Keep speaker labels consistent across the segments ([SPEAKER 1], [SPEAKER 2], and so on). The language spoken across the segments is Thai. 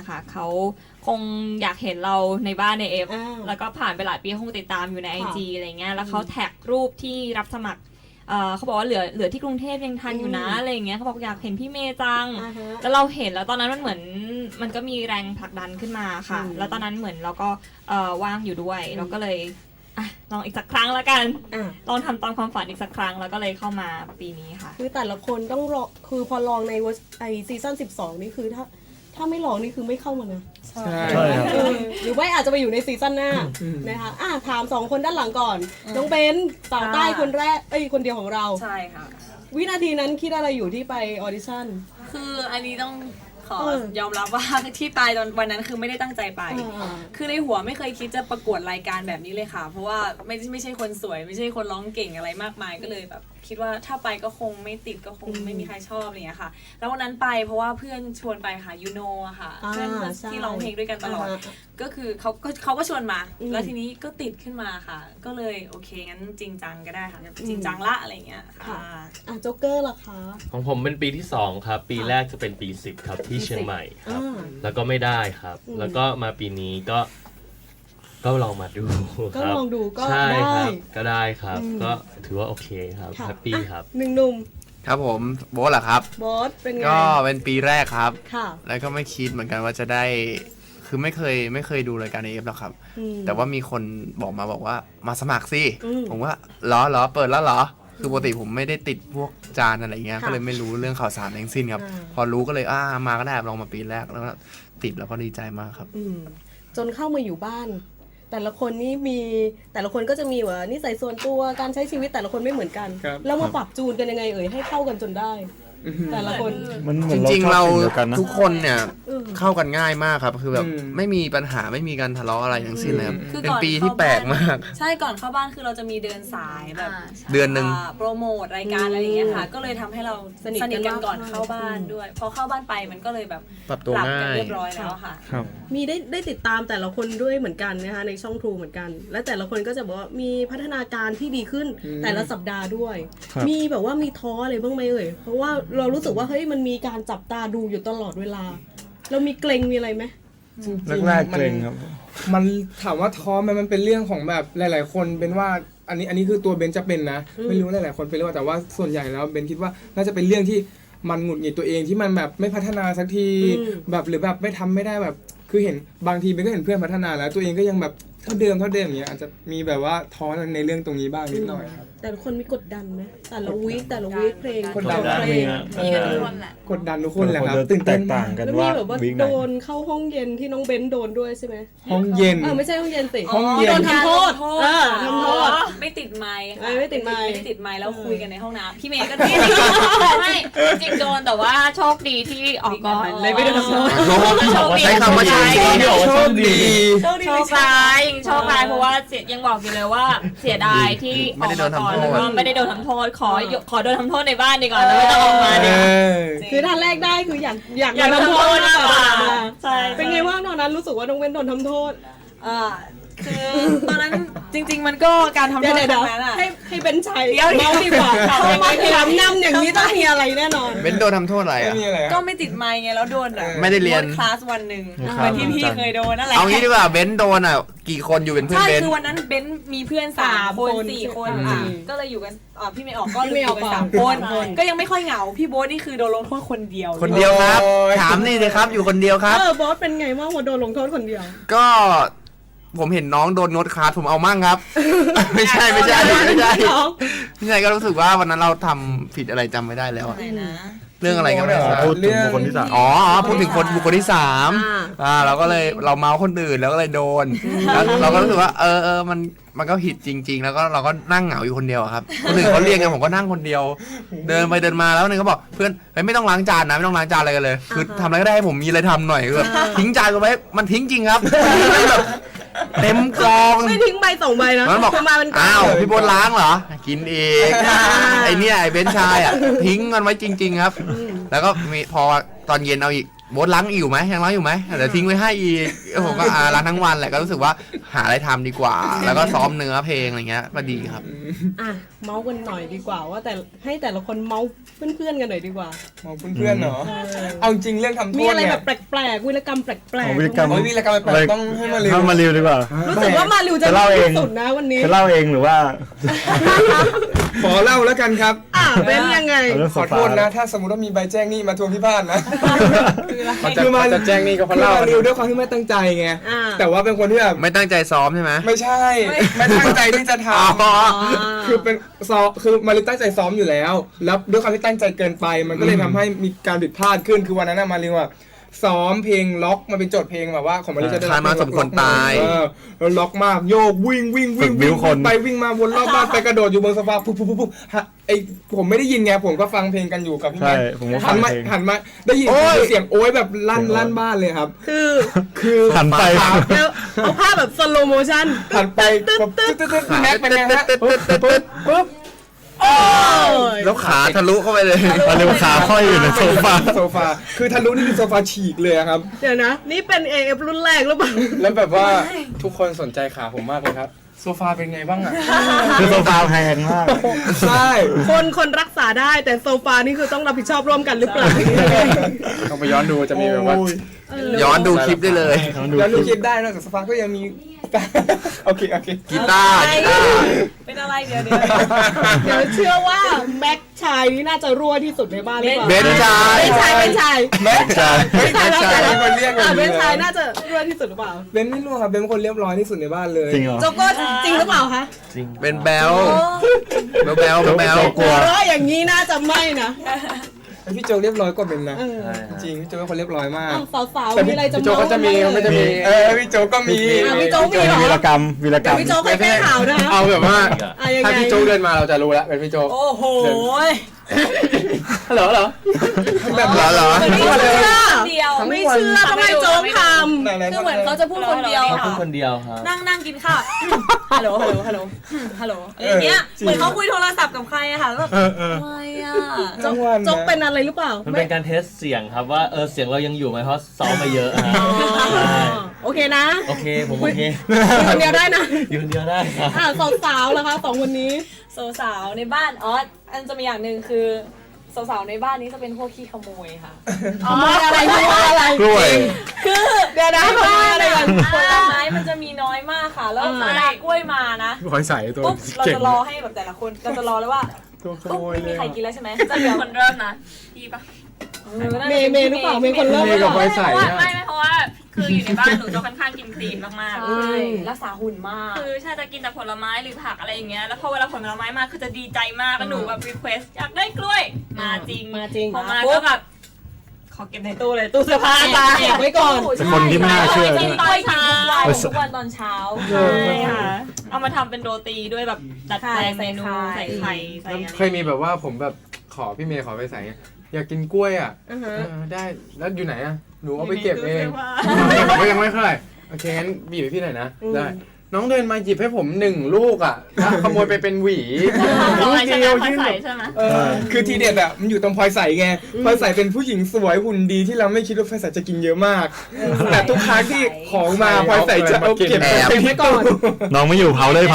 [SPEAKER 1] อะค่ะเขาคงอยากเห็นเราในบ้านในเอฟแล้วก็ผ่านไปหลายปีคงติดตามอยู่ใน IG อะไรเงี้ยแล้วเขาแท็กรูปที่รับสมัครเขาบอกว่าเหลือที่กรุงเทพยังทันอยู่นะอะไรอย่างเงี้ยเขาบอกอยากเห็นพี่เมย์จังแล้วเราเห็นแล้วตอนนั้นมันเหมือนมันก็มีแรงผลักดันขึ้นมาค่ะแล้วตอนนั้นเหมือนเราก็ว่างอยู่ด้วยเราก็เลยลองอีกสักครั้งแล้วกันลองทำตามความฝันอีกสักครั้งแล้วก็เลยเข้ามาปีนี้ค่ะ
[SPEAKER 2] คือแต่ละคนต้องรอคือพอลองในซีซั่น12นี่คือถ้าไม่ลองนี่คือไม่เข้ามานะ
[SPEAKER 3] ใช่ครับ
[SPEAKER 2] หรือว่าอาจจะไปอยู่ในซีซั่นหน้านะคะถาม2คนด้านหลังก่อนน้องเบนสาวใต้คนแรกคนเดียวของเรา
[SPEAKER 4] ใช่ค่ะ
[SPEAKER 2] วินาทีนั้นคิดอะไรอยู่ที่ไปออดิชั่น
[SPEAKER 4] คืออันนี้ต้องขอยอมรับว่าที่ไปตอนวันนั้นคือไม่ได้ตั้งใจไปคือในหัวไม่เคยคิดจะประกวดรายการแบบนี้เลยค่ะเพราะว่าไม่ใช่คนสวยไม่ใช่คนร้องเก่งอะไรมากมายก็เลยแบบคิดว่าถ้าไปก็คงไม่ติดก็คงไม่มีใครชอบอะไรอย่างเงี้ยค่ะแล้ววันนั้นไปเพราะว่าเพื่อนชวนไปค่ะยูโนอะค่ะเพื่อนที่ร้องเพลงด้วยกันตลอดก็คือเขาก็ชวนมาแล้วทีนี้ก็ติดขึ้นมาค่ะก็เลยโอเคงั้นจริงจังก็ได้ค่ะจริงจังละอะไรอย่างเงี้ยค่ะ
[SPEAKER 2] โจ๊กเกอร์ล่ะคะ
[SPEAKER 3] ของผมเป็นปีที่2ครับปีแรกจะเป็นปี10ครับที่เชียงใหม่ครับแล้วก็ไม่ได้ครับแล้วก็มาปีนี้ก็ลองมาดู
[SPEAKER 2] ก็ลองดูก็
[SPEAKER 3] ใช่ครับก็ได้ครับก็ถือว่าโอเคครับแฮปปี้ครับ
[SPEAKER 2] หนุ่ม
[SPEAKER 5] ครับผมโบ๊ทเหรอครับ
[SPEAKER 2] โบ๊ทเป็นไง
[SPEAKER 5] ก็เป็นปีแรกครับ
[SPEAKER 2] ค่ะ
[SPEAKER 5] แล้วก็ไม่คิดเหมือนกันว่าจะได้คือไม่เคยดูรายการเอฟหรอกครับแต่ว่ามีคนบอกว่ามาสมัครสิผมว่าเหรอเปิดแล้วเหรอคือปกติผมไม่ได้ติดพวกจานอะไรเงี้ยก็เลยไม่รู้เรื่องข่าวสารทั้งสิ้นครับพอรู้ก็เลยมาก็ได้ลองมาปีแรกแล้วก็ติดแล้วก็ดีใจมากครับ
[SPEAKER 2] จนเข้ามาอยู่บ้านแต่ละคนนี่มีแต่ละคนก็จะมีว่านิสัยส่วนตัวการใช้ชีวิตแต่ละคนไม่เหมือนกันแล้วมาปรับจูนกันยังไงให้เข้ากันจนได้แต่ละคน
[SPEAKER 5] จริงๆเราทุกคนเนี่ยเข้ากันง่ายมากครับคือแบบไม่มีปัญหาไม่มีการทะเลาะอะไรทั้งสิ้นเลยครับเป็นปีที่แปลกมาก
[SPEAKER 4] ใช่ก่อนเข้าบ้านคือเราจะมีเดินสายแบบ
[SPEAKER 5] เดือนนึง
[SPEAKER 4] โปรโมทรายการอะไรอย่างเงี้ยค่ะก็เลยทำให้เราสนิทกันก่อนเข้าบ้านด้วยพอเข้าบ้านไปมันก็เลยแบบ
[SPEAKER 5] ปรับตัวง่าย
[SPEAKER 4] เรียบร้อยแล้วค่ะ
[SPEAKER 2] มีได้ติดตามแต่ละคนด้วยเหมือนกันนะคะในช่อง True เหมือนกันและแต่ละคนก็จะบอกว่ามีพัฒนาการที่ดีขึ้นแต่ละสัปดาห์ด้วยมีแบบว่ามีท้ออะไรบ้างไหมเพราะว่าเรารู้สึกว่าเฮ้ยมันมีการจับตาดูอยู่ตลอดเวลาเรามีเกรงมีอะไรไหม
[SPEAKER 6] แรกๆเกรงครับมันถามว่าท้อมันเป็นเรื่องของแบบหลายๆคนเป็นว่าอันนี้คือตัวเบนจะเป็นนะไม่รู้หลายๆคนเป็นหรือเปล่าแต่ว่าส่วนใหญ่แล้วเบนคิดว่าน่าจะเป็นเรื่องที่มันหงุดหงิดตัวเองที่มันแบบไม่พัฒนาสักทีแบบหรือแบบไม่ได้แบบคือเห็นบางทีเบนก็เห็นเพื่อนพัฒนาแล้วตัวเองก็ยังแบบเท่าเดิมอย่างเงี้ยอาจจะมีแบบว่าท้อในเรื่องตรงนี้บ้างนิดหน่อยครับ
[SPEAKER 2] แต่ละคนมีกดดันไหมแต่ละวีคเพลง
[SPEAKER 6] กดดัน
[SPEAKER 4] มีกันทุกคนแหละ
[SPEAKER 6] กดดันทุกคนแหละครับตื่นเต้น
[SPEAKER 2] ต่างกันว่าแบบว่าโดนเข้าห้องเย็นที่น้องเบนโดนด้วยใช่ไหม
[SPEAKER 6] ห้องเย็น
[SPEAKER 2] ไม่ใช่ห้องเย็นสิ
[SPEAKER 6] ห้องเย็น
[SPEAKER 2] โดนทำโทษทำโทษ
[SPEAKER 4] ไม่ติดไมค์
[SPEAKER 2] ไม่ติดไ
[SPEAKER 4] มค์แล้วคุยกันในห้องน้ำพี่เมย์ก็ไม่
[SPEAKER 1] จริงโดนแต่ว่าโชคดีที่ออกก่อนเลยไม่โดน
[SPEAKER 5] โชคดีใช้คำว่าโชคดี
[SPEAKER 1] โชคร้ายเพราะว่ายังบอกอยู่เลยว่าเสียดายที่ออกมาก่อนแล้วก็ไม่ได้โดนทำโทษขอโดนทำโทษในบ้านดีกว่าแล้วไม่ต้องออกมาดี
[SPEAKER 2] คือท่านแรกได้คืออยากโดนทำโทษมากกว่าใช่เป็นไงว่างตอนนั้นรู้สึกว่าน้องเว้นโดนทำโทษ
[SPEAKER 4] คือตอนนั้นจริงๆมันก็การทำโทษตรงนั้นอะ
[SPEAKER 2] ให้เป็นชัยเมาดีกว่าเขาไม่ถามนำอย่างนี้ต้องมีอะไรแน่นอน
[SPEAKER 5] เบนโดนทำโทษอะไรอ่ะ
[SPEAKER 4] ก็ไม่ติดไมค์ไงแล้วโดน
[SPEAKER 5] ไม่ได้เรียน
[SPEAKER 4] คลาสวันหนึ่งเหมือนที่พี่เคยโดนนั่นแหละ
[SPEAKER 5] เอางี้ดีกว่าเบนโดนอ่ะกี่คนอยู่เป็นเพื่อนเบน
[SPEAKER 4] ใช่คือวันนั้นเบนมีเพื่อน3 คน 4 คนก็เลยอยู่กันพี่ไม่ออกก็อยู่กัน3 คนก็ยังไม่ค่อยเหงาพี่โบ๊ทนี่คือโดนลงโทษคนเดียว
[SPEAKER 5] ครับถามนี่เลยครับอยู่คนเดียวครับ
[SPEAKER 2] โบ๊ทเป็นไงบ้างว่าโดนลงโทษคนเดียว
[SPEAKER 5] ก็ผมเห็นน้องโดนงดคลาสผมเอามั่งครับไม่ใช่ก็รู้สึกว่าวันนั้นเราทำผิดอะไรจำไม่ได้แล้วเรื่องอะไรกันไม่ทราบ
[SPEAKER 6] พูดถึงบุคคลที่
[SPEAKER 5] 3พูดถึงบุคคลที่3เราก็เลยเราเมาคนอื่นแล้วก็เลยโดนแล้วเราก็รู้สึกว่ามันก็ผิดจริงๆแล้วก็เราก็นั่งเหงาอยู่คนเดียวครับคนอื่นเขาเรียกกันผมก็นั่งคนเดียวเดินไปเดินมาแล้วนึงก็บอกเพื่อนไม่ต้องล้างจานนะไม่ต้องล้างจานอะไรกันเลยคือทำอะไรก็ได้ให้ผมมีอะไรทำหน่อยคือทิ้งจานกันไว้มันทิ้งจริงครับเต็มกอง
[SPEAKER 2] ไม่ทิ้งใบ2 ใบนะ
[SPEAKER 5] มันบอกอ้าวพี่โบ๊ทล้างเหรอกินอีกไอ้เนี่ยไอ้เบนชายทิ้งมันไว้จริงๆครับแล้วก็มีพอตอนเย็นเอาอีกโบ๊ทล้างอยู่ไหมยังล้างอยู่ไหมเดี๋ยวทิ้งไว้ให้อีกผมก็ล้างทั้งวันแหละก็รู้สึกว่าหาอะไรทำดีกว่า แล้วก็ซ้อมเนื้อเพลงอะไรเงี้ยก็ดีครับ
[SPEAKER 2] อ่ะเมาส์กันหน่อยดีกว่าว่าแต่ให้แต่ละคนเมาส์เพื่อนๆกันหน่อยดีกว่า
[SPEAKER 6] มองเพื่อนๆเนาะเอาจริงเรื่องทำโท
[SPEAKER 2] มี
[SPEAKER 6] ษ
[SPEAKER 2] อะไร
[SPEAKER 6] เนี่
[SPEAKER 2] แบ
[SPEAKER 6] ย
[SPEAKER 2] บแปลกๆวิรกรรมแปลก
[SPEAKER 7] วิรกรรม
[SPEAKER 6] โอ้ยวีรกรรมแปลกๆต้องให้มาเร็ว
[SPEAKER 7] ถ้ามาริวดีกว่า
[SPEAKER 2] รู้สึกว่ามาริวจะ
[SPEAKER 7] จะเล่าเอง
[SPEAKER 2] ที่สุดนะวันนี้
[SPEAKER 7] จะเล่าเองหรือว่า
[SPEAKER 6] ขอเล่าแล้วกันครับ
[SPEAKER 2] เป็นยังไง
[SPEAKER 7] เอาเรื่อง
[SPEAKER 6] ขอโทษนะ ถ้าสมมติว่ามีใบแจ้งหนี้มาทวงที่บ้านนะ
[SPEAKER 8] คือมาจะแจ้งนี่ก็เพราะเล่า
[SPEAKER 6] คือมาริวด้วยความที่ไม่ตั้งใจไง
[SPEAKER 2] อ่า
[SPEAKER 6] แต่ว่าเป็นคนที่แบบ
[SPEAKER 5] ไม่ตั้งใจซ้อมใช่ไหม
[SPEAKER 6] ไม่ใช่ ไม่ตั้งใจที่จะท
[SPEAKER 5] อ๋อ
[SPEAKER 6] ำคือเป็นคือมาริวตั้งใจซ้อมอยู่แล้ว แล้วด้วยความที่ตั้งใจเกินไป มันก็เลยทำให้มีการผิดพลาดขึ้น คือวันนั้นนะมาริวอะซ้อมเพลงล็อกมันเป็นโจทย์เพลงแบบว่าของมาริวจะได้
[SPEAKER 5] คานมาสมควรตาย
[SPEAKER 6] แล้วล็อกมากโยกวิ่ง
[SPEAKER 7] ฝึกบิ้วคน
[SPEAKER 6] ไปวิ่งมาวนรอบบ้านไปกระโดดอยู่บนโซฟาปุ๊บไอผมไม่ได้ยินไงผมก็ฟังเพลงกันอยู่กับพี่
[SPEAKER 7] ใช่
[SPEAKER 6] แม่
[SPEAKER 7] ผมก็ฟั
[SPEAKER 6] หั
[SPEAKER 7] ง
[SPEAKER 6] นมา
[SPEAKER 7] เพลง
[SPEAKER 6] หันมาได้ยิน
[SPEAKER 5] โอ๊ย
[SPEAKER 6] เสียงโอ๊ยแบบลั่นบ้านเลยครับ คือ
[SPEAKER 7] หันไป
[SPEAKER 2] แล้วเอาภาพแบบสโลโมชั่น
[SPEAKER 6] หันไปปุ๊บตึ๊ดแม็กเป็นไงฮะปุ๊บ
[SPEAKER 5] แล้วขาทะลุเข้าไปเลย
[SPEAKER 7] มาริวขาค่อยอยู่ในโซฟา
[SPEAKER 6] โซฟาคือทะลุนี่คือโซฟาฉีกเลยอะครับ
[SPEAKER 2] เดี๋ยวนะ นี่เป็น AF รุ่นแรกหรือเปล่า
[SPEAKER 8] แล้วแบบว่าทุกคนสนใจขาผมมากเลยครับ
[SPEAKER 6] โซฟาเป็นไงบ้างอะ
[SPEAKER 7] คือโซฟาแพงมาก
[SPEAKER 6] ใช่
[SPEAKER 2] คนรักษาได้แต่โซฟานี่คือต้องรับผิดชอบร่วมกันหรือเปล่า
[SPEAKER 8] ต้องไปย้อนดูจะมีแบบว่า
[SPEAKER 5] ย้อนดูคลิปได้เลย
[SPEAKER 6] แล้วลูกคิดได้นอกจากโซฟาก็ยังมี โอเค
[SPEAKER 5] กีตาร์
[SPEAKER 4] เป็นอะไรเดี๋ยว
[SPEAKER 2] เดี๋ยวเชื่อว่าแม็กชายนี่น่าจะรั่วที่สุดในบ้านหรือเปล่า
[SPEAKER 5] เบนชาย
[SPEAKER 2] เป็นชาย
[SPEAKER 6] แม็ก
[SPEAKER 7] ใช่
[SPEAKER 6] เฮ้ยแม็กชายเป็นคนเรียกกัน
[SPEAKER 2] เป็นชายน่าจะรั่วที่สุดหรือเปล่า
[SPEAKER 6] เบนไม่รู้ครับเบนเป็นคนเรียบร้อยที่สุดในบ้านเลย
[SPEAKER 7] จริงเหรอ
[SPEAKER 2] โจโก้จริงหรือเปล่าคะ
[SPEAKER 5] เป็นแบลแบล
[SPEAKER 7] กลัว
[SPEAKER 2] เพราะอย่างนี้น่าจะไม่นะ
[SPEAKER 6] พี่โจเรียบร้อยกว่าเบนนะ
[SPEAKER 2] เออ
[SPEAKER 6] จริงพี่โจเป็นคนเรียบร้อยมาก
[SPEAKER 2] สาวๆมีอะไรจะ
[SPEAKER 8] พี่โจก็จะมี
[SPEAKER 2] เาส์
[SPEAKER 8] มันจะมี
[SPEAKER 6] พี่โจก็มี
[SPEAKER 2] พี่โจมีเหรอ
[SPEAKER 7] วีรกรรม
[SPEAKER 2] เดี๋ยวพี่โจค่อยแก้ข่าวนะคะ
[SPEAKER 8] เอาแบบว่า
[SPEAKER 2] ยังไง
[SPEAKER 8] ถ้าพี่โจเดินมาเราจะรู้แล้วเป็นพี่โจ
[SPEAKER 4] โอ้โห
[SPEAKER 8] เหรอ
[SPEAKER 6] แบบ
[SPEAKER 5] เหรอ
[SPEAKER 2] ไม่เชื่อ
[SPEAKER 4] เดียว
[SPEAKER 2] ไม่เชื่อทำไมโจ๊กท
[SPEAKER 4] คือเหมือนเขาจะพูดคนเดียว
[SPEAKER 3] เขา
[SPEAKER 4] ค่ะ
[SPEAKER 3] พูดคนเดียวครับ
[SPEAKER 4] นั่งกินข้าว ฮัลโหลอะไรอย่างเงี้ย เหมือนเขาคุยโทรศัพท์กับใครอะค่ะแล้วแบบอะไรอะ
[SPEAKER 2] ำโจ๊กเป็นอะไรหรือเปล่า
[SPEAKER 3] มันเป็นการเทสเสียงครับว่าเสียงเรายังอยู่ไหมเพราะซ้อมมาเยอะฮะใช่
[SPEAKER 2] โอเคนะ
[SPEAKER 3] โอเคผมโอเค
[SPEAKER 2] อยู่คนเดียวได้นะ
[SPEAKER 3] อยู่คนเดียวได้ครับ
[SPEAKER 2] สาวๆแล้วคะสองคนนี้
[SPEAKER 4] สาวๆในบ้านอันจะมีอย่างหนึ่งคือสาวๆในบ้านนี้จะเป็นพวกขี้ขโมยค่ะ
[SPEAKER 2] ขโมยอะไรขโมยอะไร
[SPEAKER 7] กล้วย
[SPEAKER 4] คือ
[SPEAKER 2] เดี๋ยวนะขโมยอะไรกัน
[SPEAKER 4] ผลไม้มันจะมีน้อยมากค่ะ แล้วเวลากล้วยมานะ
[SPEAKER 8] คอยใส่ตัว
[SPEAKER 4] ปุ๊บเรา
[SPEAKER 8] เก่ง
[SPEAKER 4] จะรอให้แบบแต่ละคนเราจะรอแล้วว่า
[SPEAKER 8] ตัวข
[SPEAKER 4] ปุ๊บ
[SPEAKER 8] โมย
[SPEAKER 4] ไม่
[SPEAKER 8] เล
[SPEAKER 4] มี
[SPEAKER 8] ย
[SPEAKER 4] ใครกินแล้วใช่ไหมจะเหลือคนเริ่มนะพี่ปะ
[SPEAKER 2] เมย์หรือเปล่าเมย์คนเริ่ม
[SPEAKER 8] เมย์กับไฟใส่
[SPEAKER 1] เพราะว่า
[SPEAKER 8] อะ
[SPEAKER 1] ไม่เพราะว่าคืออยู่ในบ้านหนูจะค่อนข้างกินคลีนมาก
[SPEAKER 4] ใช่รักษาหุ่นมาก
[SPEAKER 1] ๆคือใช่จะกินแต่ผลไม้หรือผักอะไรอย่างเงี้ยแล้วพอเวลาผลไม้มาคือจะดีใจมากแล้วหนูแบบรีเควสอยากได้กล้วยมาจริง
[SPEAKER 2] มาจริง
[SPEAKER 1] พอมาก็แบบขอเก็บในตู้เลยตู้เสื้อผ้าจ้า
[SPEAKER 2] เก็บไว้ก่อน
[SPEAKER 7] เป็นคนที่ไม่น่าเชื่อ
[SPEAKER 4] กินกล้วยทุกวันตอนเช้า
[SPEAKER 1] ใช่ค่ะเอามาทำเป็นโรตีด้วยแบบดัดแปลงเมนู
[SPEAKER 4] ใส่
[SPEAKER 1] ใส่
[SPEAKER 4] ไข่
[SPEAKER 1] ไข่ใส่อะไร
[SPEAKER 8] เคยมีแบบว่าผมแบบขอพี่เมย์ขอไปใส่ไงอยากกินกล้วยอ่ะได้แล้วอยู่ไหนอ่ะหนูเอาไปเก็บเองผมก็ยังไม่ค่อยโอเคงั้นบีบให้พี่หน่อยนะได้น้องเดินมาหยิบให้ผม1 ลูกอ่ะแล้วขโมยไปเป็นหวี
[SPEAKER 1] ลองอะไรใช่ไหม
[SPEAKER 8] ยื่
[SPEAKER 1] ค่อย
[SPEAKER 8] น
[SPEAKER 1] ใส่
[SPEAKER 8] แบบ
[SPEAKER 1] ใช่ไหม
[SPEAKER 6] คือทีเด็ดอ่ะมันอยู่ตรงพลอยใสไงพลอยใสเป็นผู้หญิงสวยหุ่นดีที่เราไม่คิดว่าพลอยใสจะกินเยอะมาก แต่ทุกครั้งที่ของมาพลอยใสจะเอาเก็บ
[SPEAKER 5] แอบ
[SPEAKER 6] ไปไว้ก่อน
[SPEAKER 7] น้องไม่อยู่เผาเลย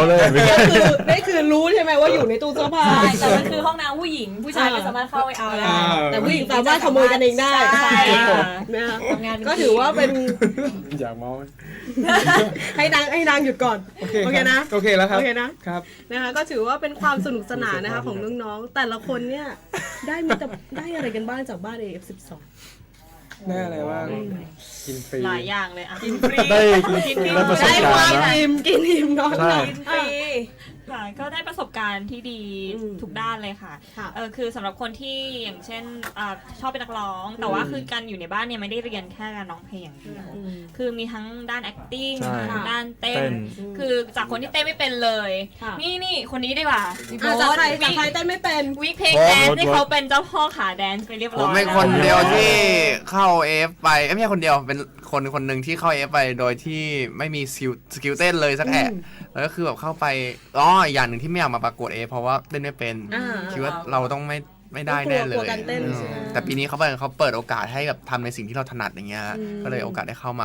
[SPEAKER 2] นี่คือรู้ใช่ไหมว่าอยู่ในตู้เสื้อผ้า
[SPEAKER 4] ใช่แต่มันคือห้องน้ำผู้หญิงผู้ชายไม่สามารถเข้าไปเอาได้
[SPEAKER 2] แต่ผู้หญิงสามารถขโมยกันเองได้
[SPEAKER 4] ใช่
[SPEAKER 2] นะคะ
[SPEAKER 4] ทำงานเป็น
[SPEAKER 2] ก็ถือว่าเป็น
[SPEAKER 8] อยากเมา
[SPEAKER 2] ให้นางหยุดก่อน
[SPEAKER 6] โอเค
[SPEAKER 2] โอเคนะ
[SPEAKER 6] โอเคแล้วครับ
[SPEAKER 2] โอเคนะครับ นะคะก็ถือว่าเป็นความสนุกสนานนะคะของน้องๆแต่ละคนเนี่ยได้อะไรกันบ้างจากบ้าน AF12
[SPEAKER 6] ได้อะไรบ้าง
[SPEAKER 8] กินฟรี
[SPEAKER 1] หลายอย่างเลยอ่ะ
[SPEAKER 7] ได้ได้ประสบ
[SPEAKER 2] ได้
[SPEAKER 7] กาว
[SPEAKER 2] าร ม
[SPEAKER 7] ณ์นะ
[SPEAKER 2] อิ่มกินอิ่มนอนหลับ
[SPEAKER 7] ใช่
[SPEAKER 1] ค่ะก็ได้ประสบการณ์ที่ดี
[SPEAKER 2] อืม
[SPEAKER 1] ทุกด้านเลยค่ะ
[SPEAKER 2] ค่ะ
[SPEAKER 1] คือสำหรับคนที่อย่างเช่นชอบเป็นนักร้อง แต่ว่าคือการอยู่ในบ้านเนี่ยไม่ได้เรียนแค่การร้องเพลงอย่างเดียว คือมีทั้งด้าน acting
[SPEAKER 7] ใช่
[SPEAKER 1] ด้านเต้
[SPEAKER 7] เต้
[SPEAKER 1] น
[SPEAKER 7] น
[SPEAKER 1] คือจากคนที่เต้นไม่เป็นเลย
[SPEAKER 2] ค่ะ
[SPEAKER 1] นี่คนนี้ดีกว่า
[SPEAKER 2] จากใครเต้นไม่เป็น
[SPEAKER 1] วิกเพลงแดนซ์ที่เขาเป็นเจ้าพ่อขาแดนซ์ไปเรียบ
[SPEAKER 5] ผ
[SPEAKER 1] ร้อย
[SPEAKER 5] มเป็นคนเดียวที่เข้า AF ไปไม่ใช่คนเดียวเป็นคนหนึ่งที่เข้า AF ไปโดยที่ไม่มีสกิลเต้นเลยสักแอะแล้วก็คือแบบเข้าไปอย่างหนึ่งที่ไม่อยากมาประกวด AF เพราะว่าเต้นไม่เป็น คิดว่าเราต้องไม่ได้แน่เล
[SPEAKER 2] กลัวย การเต้นใช่ไหม
[SPEAKER 5] แต่ปีนี้เขาเปิดโอกาสให้แบบทำในสิ่งที่เราถนัดอย่างเงี้ยก็เลยโอกาสได้เข้ามา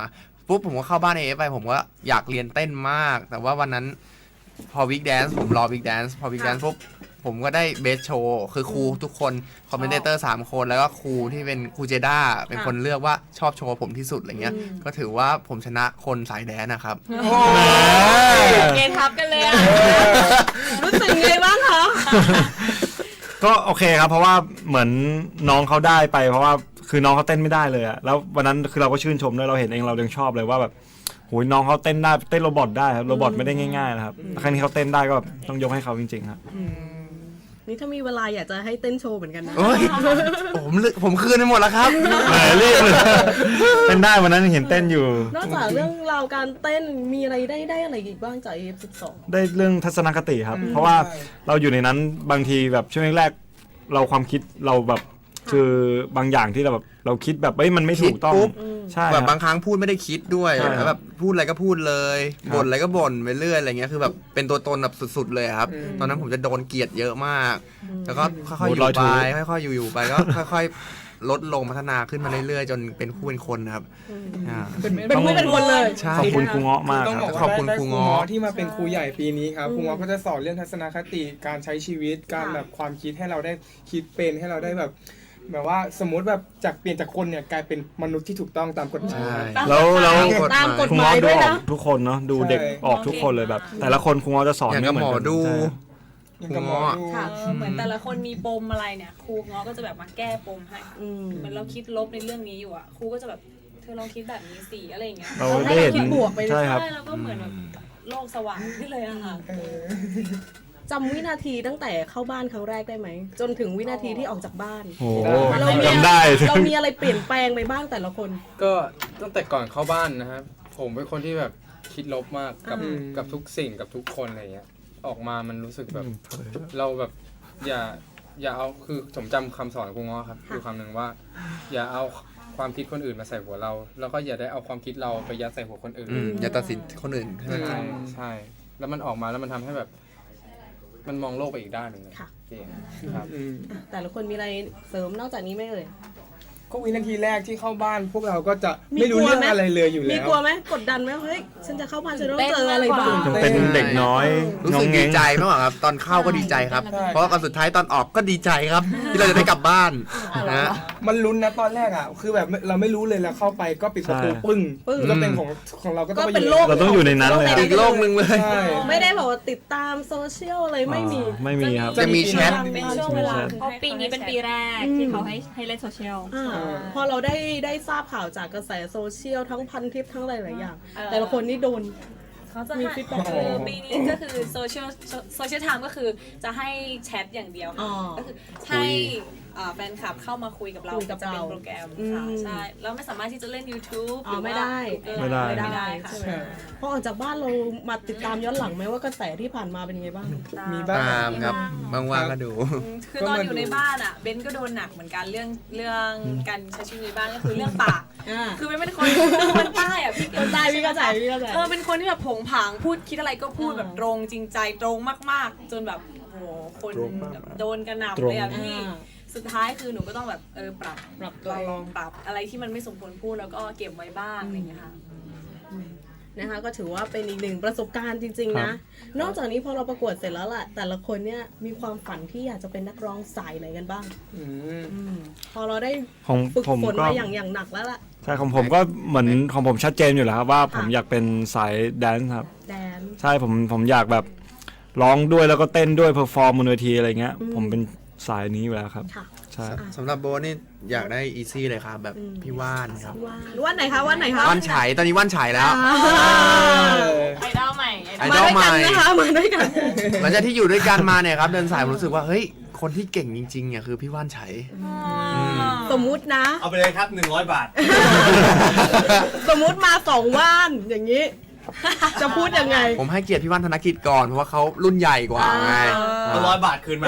[SPEAKER 5] ปุ๊บผมก็เข้าบ้าน AF ไปผมก็อยากเรียนเต้นมาก แต่ว่าวันนั้นพอวิกแดนซ์ผมรอวิกแดนซ์พอวิกแดนซ์ปุ๊บผมก็ได้เบสโชว์คือครูทุกคนคอมเมนเตอร์3คนแล้วก็ครูที่เป็นครูเจด้าเป็นคนเลือกว่าชอบโชว์ผมที่สุดอะไรเงี้ยก็ถือว่าผมชนะคนสายแดนนะครับ
[SPEAKER 1] เกทับกันเลยอ่ะ
[SPEAKER 2] รู้สึกไงบ้างคะ
[SPEAKER 7] ก็โอเคครับเพราะว่าเหมือนน้องเขาได้ไปเพราะว่าคือน้องเขาเต้นไม่ได้เลยอะแล้ววันนั้นคือเราก็ชื่นชมด้วยเราเห็นเองเรายังชอบเลยว่าแบบโหยน้องเขาเต้นได้เต้นโรบอทได้ครับโรบอทไม่ได้ง่ายๆนะครับครั้งนี้เขาเต้นได้ก็ต้องยกให้เขาจริงๆครับ
[SPEAKER 2] นี่ถ้ามีเวลาอยากจะให้เต้นโชว์เหมือนกันนะ
[SPEAKER 5] โอ้ยผมคืนไปหมดแล้วครับ
[SPEAKER 7] แหมรีบเลยเต้นได้วันนั้นเห็นเต้นอยู่
[SPEAKER 2] นอกจากเรื่องราวการเต้นมีอะไรได้อะไรอีกบ้างจาก AF12
[SPEAKER 7] ได้เรื่องทัศนคติครับ เพราะว่าเราอยู่ในนั้นบางทีแบบช่วงแรกๆเราความคิดเราแบบคือบางอย่างที่เราแบบเราคิดแบบมันไม่ถูกต้อง
[SPEAKER 5] คิดปุ๊บ
[SPEAKER 7] ใช่
[SPEAKER 5] แบบบางครั้งพูดไม่ได้คิดด้วย
[SPEAKER 7] ใช่ครับ
[SPEAKER 5] แล้วแบบพูดอะไรก็พูดเลย
[SPEAKER 7] ครับ
[SPEAKER 5] บ่นอะไรก็บ่นไปเรื่อยอะไรเงี้ยคือแบบเป็นตัวตนแบบสุดๆเลยครับ ตอนนั้นผมจะโดนเกลียดเยอะมาก แล้วก็ค่อยๆอยู่ไปค่อยๆอยู่ไปก็ค่อยๆลดลงพัฒนาขึ้นมาเรื่อยๆจนเป็นคู่เป็นคนครับา
[SPEAKER 2] เป็นผู้เป็นคนเลย
[SPEAKER 5] ใช่
[SPEAKER 7] ขอบคุณครูเงาะมาก
[SPEAKER 6] ต้อง
[SPEAKER 7] ครับ
[SPEAKER 6] บอก
[SPEAKER 5] ขอบ
[SPEAKER 6] ว่า
[SPEAKER 5] คุณ
[SPEAKER 6] ได้
[SPEAKER 5] ครู
[SPEAKER 6] ครู
[SPEAKER 5] เงาะ
[SPEAKER 6] เงาะที่มาเป็นครูใหญ่ปีนี้ครับครูเงาะก็จะสอนเรื่องทัศนคติการใช้ชีวิตการแบบความคิดให้เราได้คิดเป็นให้เราได้แบบว่าสมมติแบบจากเปลี่ยนจากคนเนี่ยกลายเป็นมนุษย์ที่ถูกต้องตามกฎหมาย
[SPEAKER 5] ใช่
[SPEAKER 7] แล้ว
[SPEAKER 2] ตามกฎ
[SPEAKER 7] ครู
[SPEAKER 2] หมาย
[SPEAKER 7] เงาะดู
[SPEAKER 2] ด้วย
[SPEAKER 7] ออ
[SPEAKER 2] นะ
[SPEAKER 7] กทุกคนเนาะดูเด็ก
[SPEAKER 6] ใช่
[SPEAKER 7] ออกทุกคนเลยแบบ แต่ละคนครูเงาะจะสอน
[SPEAKER 5] อย่าง
[SPEAKER 7] ไม่
[SPEAKER 5] กับ
[SPEAKER 7] เหมื
[SPEAKER 5] ห
[SPEAKER 7] อน
[SPEAKER 5] มอ
[SPEAKER 7] กัน
[SPEAKER 5] ดู
[SPEAKER 7] ใช่
[SPEAKER 6] ยังกับหมอดู
[SPEAKER 2] ค่ะ
[SPEAKER 4] เหมือนแต่ละคนมีปมอะไรเนี่ยครูเงาะก็จะแบบมาแก้ปมให้เหมือนเราคิดลบในเรื่องนี้อยู่อ่ะครูก็จะแบบเธอลองคิดแบบนี้สิอะไรอย่างเงี้ย
[SPEAKER 7] เราได้เห็น
[SPEAKER 2] คิดบวกไปเลย
[SPEAKER 7] ใช่ครับ
[SPEAKER 4] ใช่แล้วก็เหมือนแบบโลกสว่างขึ้นเลยอะค่ะ
[SPEAKER 2] จำวินาทีตั้งแต่เข้าบ้านครั้งแรกได้ไหม จนถึงวินาทีที่ออกจากบ้าน
[SPEAKER 7] โอ้โห
[SPEAKER 2] เรามี
[SPEAKER 7] จำได้
[SPEAKER 2] เรามีอะไรเปลี่ยนแปลงไปบ้างแต่ละคน
[SPEAKER 8] ก็ตั้งแต่ก่อนเข้าบ้านนะครับผมเป็นคนที่แบบคิดลบมากกับทุกสิ่งกับทุกคนอะไรเงี้ยออกมามันรู้สึกแบบเราแบบอย่าเอาคือผมจำคำสอนของครูเงาะครับคือคำหนึ่งว่า อย่าเอาความคิดคนอื่นมาใส่หัวเรา แล้วก็อย่าได้เอาความคิดเราไปยัดใส่หัวคนอื่น
[SPEAKER 5] อย่าตัดสินคนอื่นให้มัน
[SPEAKER 8] ใช่ใช่แล้วมันออกมาแล้วมันทำให้แบบ มันมองโลกไปอีกด้านหนึ่งเลย
[SPEAKER 2] ค่ะ
[SPEAKER 8] เก่งครับ
[SPEAKER 2] แต่ละคนมีอะไรเสริมนอกจากนี้ไหมเอ่ย
[SPEAKER 6] ก็วินาทีแรกที่เข้าบ้านพวกเราก็จะไม่รู้เรื่องอะไรเลยอยู่
[SPEAKER 2] มี
[SPEAKER 6] แล้ว
[SPEAKER 2] กลัวไหมกดดันไหมเฮ้ยฉันจะเข้าบ้านฉันต้องเจออะไรบ้าง
[SPEAKER 7] ยังเป็นเด็กน้อย
[SPEAKER 5] รู้
[SPEAKER 7] งอ
[SPEAKER 5] สึ
[SPEAKER 7] ง
[SPEAKER 5] ก
[SPEAKER 7] เง
[SPEAKER 5] ดี
[SPEAKER 7] ง
[SPEAKER 5] ใจมากกว่าครับ ตอนเข้าก็ดีใจครับ
[SPEAKER 6] ใช่
[SPEAKER 5] เพราะว่าตอนสุดท้ายตอนออกก็ดีใจครับ ที่เราจะได้กลับบ้านนะ
[SPEAKER 6] มันลุ้นนะตอนแรกอ่ะคือแบบเราไม่รู้เลยแล้วเข้าไปก็ปิดประตู
[SPEAKER 7] ใช่
[SPEAKER 6] ปึ้งก็เป็นของเราก็ต้อง
[SPEAKER 2] ก็เป็นโลก
[SPEAKER 7] เราต้องอยู่ในนั้นเลยครับ
[SPEAKER 5] อีกโลกหนึ่งเลย
[SPEAKER 6] ใช่
[SPEAKER 2] ไม่ได้แบบว่าติดตามโซเชียลอะไรไม่มี
[SPEAKER 7] ไม่มีครับ
[SPEAKER 5] จะมีแชท
[SPEAKER 4] เป็นช่วงเวลา
[SPEAKER 1] เพราะปีนี้เป็นปีแรกที่เขาให้เล่นโซเชียล
[SPEAKER 2] พอเราได้ทราบข่าวจากกระแสโซเชียลทั้งพันทิปทั้งหลายๆอย่าง แต่ละคนนี่โดน
[SPEAKER 4] เขาจะ
[SPEAKER 2] มี
[SPEAKER 4] ให้
[SPEAKER 2] feedback
[SPEAKER 4] คือปีนี้ก็คือโซเชียลไทม์ก็คือจะให้แชทอย่างเดียว
[SPEAKER 2] อ๋
[SPEAKER 4] ค่ะ
[SPEAKER 2] อ
[SPEAKER 4] ก็คือให้แฟนคลับเข้ามาคุยกับเรา
[SPEAKER 2] คุยกับ
[SPEAKER 4] จะเป็น
[SPEAKER 2] เรา
[SPEAKER 4] โปรแกรมค่ะใช่แล้วไม่สามารถที่จะเล่น YouTube
[SPEAKER 2] อ๋อไม่ได้
[SPEAKER 7] ไม่ได้
[SPEAKER 4] ไม่ได้ค่ะ
[SPEAKER 2] ใช่ไหมพอออกจากบ้านเรามาติดตามย้อนหลังไหมว่ากระแสที่ผ่านมาเป็นยังไงบ้าง
[SPEAKER 6] มีบ้าง
[SPEAKER 5] ตามครับว่างๆก็ดู
[SPEAKER 4] คือตอนอยู่ในบ้านอ่ะเบนก็โดนหนักเหมือนกันเรื่องการใช้ชีวิตในบ้านก็คือเรื่องปาก คือเป็นคนใต้อ่ะพี่
[SPEAKER 2] คนใต้พี่เข้าใจพี่เข้าใจ
[SPEAKER 4] เป็นคนที่แบบผงผางพูดคิดอะไรก็พูดแบบตรงจริงใจตรงมากๆ จนแบบโหคนแบบโดนกระหน่ำเลยอ่ะพี่สุดท้ายคือหนูก็ต้องแบบปรับตัวลองปรับอะไรที่มันไม่สมควรพูดแล้วก็เก็บไว้บ้างอะไรอย่างเงี้ยค่ะ
[SPEAKER 2] นะคะก็ถือว่าเป็นอีกหนึ่งประสบการณ์จริงๆนะ นอกจากนี้พอเราประกวดเสร็จแล้วล่ะแต่ละคนเนี่ยมีความฝันที่อยากจะเป็นนักร้องสายไหนกันบ้างพอเราได้
[SPEAKER 7] ของ
[SPEAKER 2] ฝึก
[SPEAKER 7] ผม
[SPEAKER 2] ฝน
[SPEAKER 7] ก็
[SPEAKER 2] มาอย่างหนักแล้วล่ะ
[SPEAKER 7] ใช่ของผมก็เหมือนของผมชัดเจนอยู่แล้วครับว่าผมอยากเป็นสายแดนซ์ครับ
[SPEAKER 2] แดน
[SPEAKER 7] ใช่ผมอยากแบบร้องด้วยแล้วก็เต้นด้วยเพอร์ฟอร์มบนเวทีอะไรเงี้ยผมเป็นสายนี้อยู่แล้วครับ
[SPEAKER 2] ค่ะ
[SPEAKER 7] ใช่
[SPEAKER 5] สำหรับโบนี่อยากได้อีซี่เลยครับ แบบพี่ว่านครับ
[SPEAKER 2] ว่านไหนคะว่านไหนคะ
[SPEAKER 5] ว่านฉายตอนนี้ว่านฉายแล้ว
[SPEAKER 4] ไอดอลใหม่
[SPEAKER 5] ไอ
[SPEAKER 2] มา
[SPEAKER 5] ดอล
[SPEAKER 2] ด้วย
[SPEAKER 5] ให
[SPEAKER 2] กั
[SPEAKER 5] ม่
[SPEAKER 2] นนะคะมาด้วยกัน
[SPEAKER 5] หลังจากที่อยู่ด้วยกันมาเนี่ยครับเดินสายผมรู้สึกว่าเฮ้ยคนที่เก่งจริงๆเนี่ยคือพี่ว่านฉาย
[SPEAKER 2] สมมุตินะ
[SPEAKER 9] เอาไปเลยครับ 100 บาท
[SPEAKER 2] สมมุติมา2ว่านอย่างนี้ จะพูดยังไง
[SPEAKER 5] ผมให้เกียรติพี่ว่านธนกิจก่อนเพราะว่าเขารุ่นใหญ่กว่าไง
[SPEAKER 9] เอา100 บาทคืนมา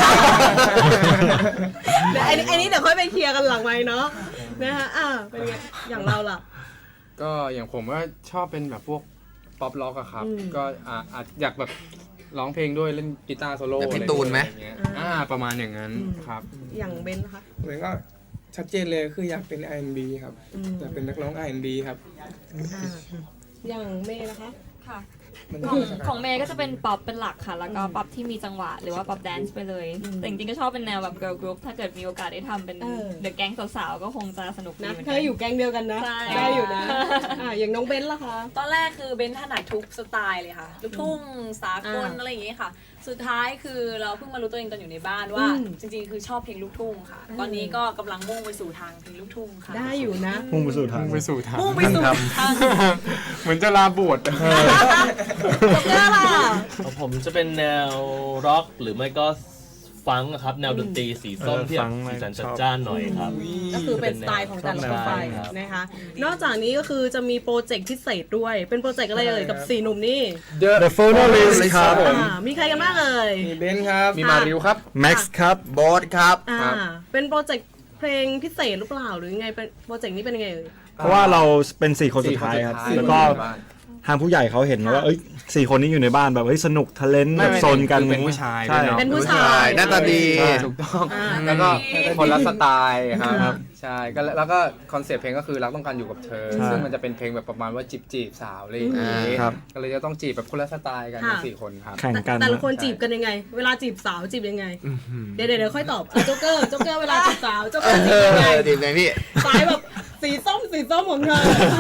[SPEAKER 2] เดี๋ยวไอ้นี้เดี๋ยวค่อยไปเคลียร์กันหลังไมค์เนาะนะคะเป็นไงอย่างเราล่ะ
[SPEAKER 8] ก็อย่างผมก็ชอบเป็นแบบพวกป๊อปล็อกอะครับ ก็อาจอยากแบบร้องเพลงด้วยเล่นกีตาร์โซโล่
[SPEAKER 5] แบบพี่ตูนไหม
[SPEAKER 8] อะไรอย่างเงี้ยประมาณอย่างนั้นครับ
[SPEAKER 2] อย่างเบนนะคะ
[SPEAKER 6] เหมือนก็ชัดเจนเลยคืออยากเป็น R&B ครับอยากเป็นนักร้อง R&B ครับ
[SPEAKER 2] อย่างเมย์นะคะ
[SPEAKER 1] ค่ะ
[SPEAKER 6] มัน
[SPEAKER 1] ของเมย์ก็จะเป็นป๊อปเป็นหลักค่ะ แล้วก็ป๊อปที่มีจังหวะหรือว่าป๊อปแดนซ์ไปเลย แต่จริงๆก็ชอบเป็นแนวแบบเกิร์ลกรุ๊ปถ้าเกิดมีโอกาสได้ทำเป็นเดอะแก๊งสาวๆก็คงจะสนุกดี
[SPEAKER 2] นะ
[SPEAKER 1] เหมือน
[SPEAKER 2] เธ
[SPEAKER 1] กั
[SPEAKER 2] อน อยู่แก๊งเดียวกันนะ
[SPEAKER 1] ใช่
[SPEAKER 2] ได้อยู่นะอย่างน้องเบนล่ะคะ
[SPEAKER 4] ตอนแรกคือเบนถนัดทุกสไตล์เลยค่ะลูกทุ่งสากลอะไรอย่างเงี้ยค่ะ สุดท้ายคือเราเพิ่งมารู้ตัวเองตอนอยู่ในบ้านว่า จริงๆคือชอบเพลงลูกทุ่งค่ะ ตอนนี้ก็กำลังมุ่งไปสู่ทางเพลงลูกทุ่งค่ะ
[SPEAKER 2] ได้อยู่นะ
[SPEAKER 7] มุ่งไปสู่ทาง
[SPEAKER 8] ไปสู่ทาง
[SPEAKER 4] มุ่งไปสู่ทาง
[SPEAKER 8] เหมือนจะลาบวช
[SPEAKER 2] จ็อกเกอร์ล่ะ
[SPEAKER 3] ผมจะเป็นแนวร็อกหรือไม่ก็ฟังก์ครับ แนวดนตรีสีส้มที่แบบสีสันจัดจ้านหน่อยครับ
[SPEAKER 2] ก็คือเป็นสไตล์ของแต่ละคนไป
[SPEAKER 3] ครับ
[SPEAKER 2] นะคะ นอกจากนี้ก็คือจะมีโปรเจกต์พิเศษด้วย เป็นโปรเจกต์อะไรเอ่ยกับ4หนุ่มนี่
[SPEAKER 7] The Finalist ครับ
[SPEAKER 2] มีใครกันบ้างเอ่ย
[SPEAKER 6] มีเบนซ์ครับ
[SPEAKER 8] มีมาริวครับ
[SPEAKER 7] Max ครับ
[SPEAKER 5] โบสครับ
[SPEAKER 2] เป็นโปรเจกต์เพลงพิเศษหรือเปล่าหรือยังไงเป็นโปรเจกต์นี้เป็นยังไงเอ่ย
[SPEAKER 7] เพราะว่าเราเป็น4คนสุดท้ายครับ
[SPEAKER 8] สี่คนสุดท้าย
[SPEAKER 7] แล้วก็ทางผู้ใหญ่เขาเห็นว่าเอ้ย4คนนี้อยู่ในบ้านแบบเฮ้ยสนุกทะเลนต์แบบโซนกัน
[SPEAKER 8] เป็นผู้ชาย
[SPEAKER 7] ใช่
[SPEAKER 8] ด้วยเนาะ
[SPEAKER 2] เป็นผู้ชาย
[SPEAKER 5] หน้าตาดี
[SPEAKER 8] ถูกต้อง
[SPEAKER 2] อ่า
[SPEAKER 8] แล้วก็คนละสไตล์ค
[SPEAKER 2] ครั
[SPEAKER 8] รับ บ ใช่ก็แล้วก็คอนเซ็ปต์เพลงก็คือรักต้องการอยู่กับเธอ ซึ่งมันจะเป็นเพลงแบบประมาณว่าจีบสาวอะไรอย่างงี้
[SPEAKER 7] ครับ
[SPEAKER 8] ก็เลยจะต้องจีบแบบคนละสไตล์กันทั้ง4คนครับ
[SPEAKER 7] แข่งกัน
[SPEAKER 2] แต่ละคนจีบกันยังไง เวลาจีบสาวจีบยังไง เดี๋ยวค่อยตอบโจ๊กเกอร์เวลาจีบสาวโจ๊กเกอร์จีบยังไง
[SPEAKER 5] ดีไงพี่
[SPEAKER 2] สายแบบสีส้มของเธอ